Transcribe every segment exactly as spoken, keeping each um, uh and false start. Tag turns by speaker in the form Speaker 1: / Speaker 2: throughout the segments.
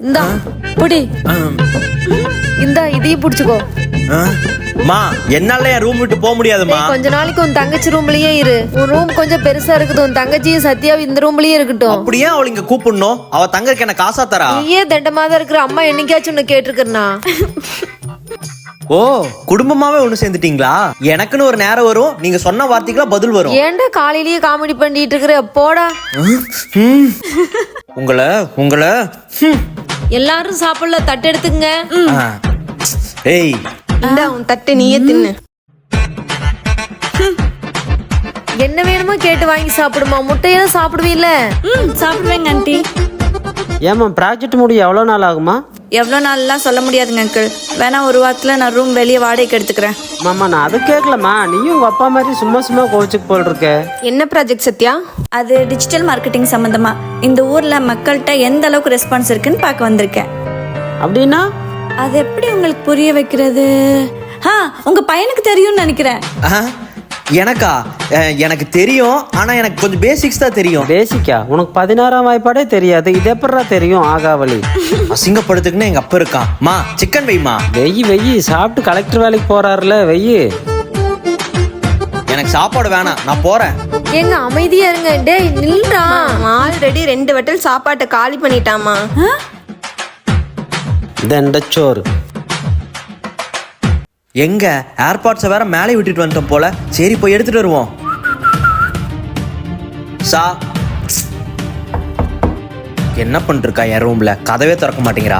Speaker 1: இந்தா புடி. இந்தா இதையும் புடிச்சுக்கோ.
Speaker 2: மா என்னால என் ரூம் விட்டு போக முடியாதுமா.
Speaker 1: கொஞ்ச நாளைக்கு உன் தங்கச்சி ரூம்லயே இரு. உன் ரூம் கொஞ்சம் பெருசா இருக்குது. உன் தங்கச்சியும் சத்யாவும் இந்த ரூம்லயே இருக்கட்டும்.
Speaker 2: அப்படியே அவளை இங்க கூப்பிடணும்? அவ தங்கருக்கு என்ன காசா தரா?
Speaker 1: நீயே தண்டமாதான் இருக்கிற. அம்மா என்னைக்காச்சும் உன்னை கேட்டிருக்கா?
Speaker 2: ஓ குடும்பமாவே ஒண்ணு சேர்ந்துட்டீங்களா? எனக்குன்னு ஒரு நேரம் வரும், நீங்க சொன்ன வார்த்தைக்கு பதில் வரும்.
Speaker 1: ஏன்டா காலையிலேயே காமெடி பண்ணிட்டு இருக்கிற? போடா.
Speaker 2: உங்களை உங்களை
Speaker 1: எல்லாரும் சாப்பிடல, தட்டு எடுத்துங்க.
Speaker 2: ஏய்
Speaker 3: இந்தா உன் தட்டு நீயே தின்னு.
Speaker 1: என்ன வேணுமோ கேட்டு வாங்கி சாப்பிடுமா. முட்டையா சாப்பிடுவீல்ல?
Speaker 4: ம் சாப்பிடுவேங்க ஆண்டி.
Speaker 5: ஏமா ப்ராஜெக்ட் முடிய எவ்வளோ நாள் ஆகுமா?
Speaker 4: எவ்வளோ நாள்லாம் சொல்ல முடியாதுங்க அங்கிள். வேணா ஒரு வாரத்தில் நான் ரூம் வெளியே வாடகைக்கு எடுத்துக்கிறேன்.
Speaker 5: மாமா நான் அதை கேட்கலம்மா, நீயும் உங்கள் அப்பா மாதிரி சும்மா சும்மா கோவிச்சுக்கு போல் இருக்க.
Speaker 3: என்ன ப்ராஜெக்ட் சத்யா?
Speaker 4: அது டிஜிட்டல் மார்க்கெட்டிங் சம்மந்தமா. இந்த ஊரில் மக்கள்கிட்ட எந்த அளவுக்கு ரெஸ்பான்ஸ் இருக்குன்னு பார்க்க வந்திருக்கேன்.
Speaker 5: அப்படின்னா
Speaker 4: அது எப்படி உங்களுக்கு புரிய வைக்கிறது? ஆ உங்க பையனுக்கு தெரியும்னு நினைக்கிறேன்.
Speaker 2: எனக்கா? எனக்கு தெரியும், ஆனா எனக்கு கொஞ்சம் பேசிக்ஸ் தான் தெரியும்.
Speaker 5: பேசிக்கா? உனக்கு பதினாறாம் வாய்ப்பாடே தெரியாது, இது எப்படா தெரியும்? ஆகாவளி
Speaker 2: அசிங்கப்படுத்துக்குன்னு எங்க அப்பா இருக்கான். மா சிக்கன் வைமா.
Speaker 5: வெயி வெயி சாப்பிட்டு கலெக்டர் வேலைக்கு போறாருல, வெயி.
Speaker 2: எனக்கு சாப்பாடு வேணாம், நான் போறேன்.
Speaker 1: ஏங்க அமைதியா இருங்க. டேய் நில்றா.
Speaker 3: ஆல்ரெடி ரெண்டு வட்டல் சாப்பாட்டை காலி பண்ணிட்டாமா.
Speaker 5: தண்டச்சோறு
Speaker 2: எங்க ஏர்பாட்ஸை வேற மேலே விட்டுட்டு வந்துட்டோம் போல. சரி போய் எடுத்துட்டு வருவோம். சா என்ன பண்ணிருக்கா என் ரூம்ல? கதவே திறக்க மாட்டேங்கிறா.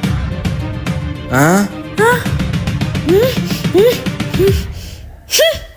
Speaker 2: ஆ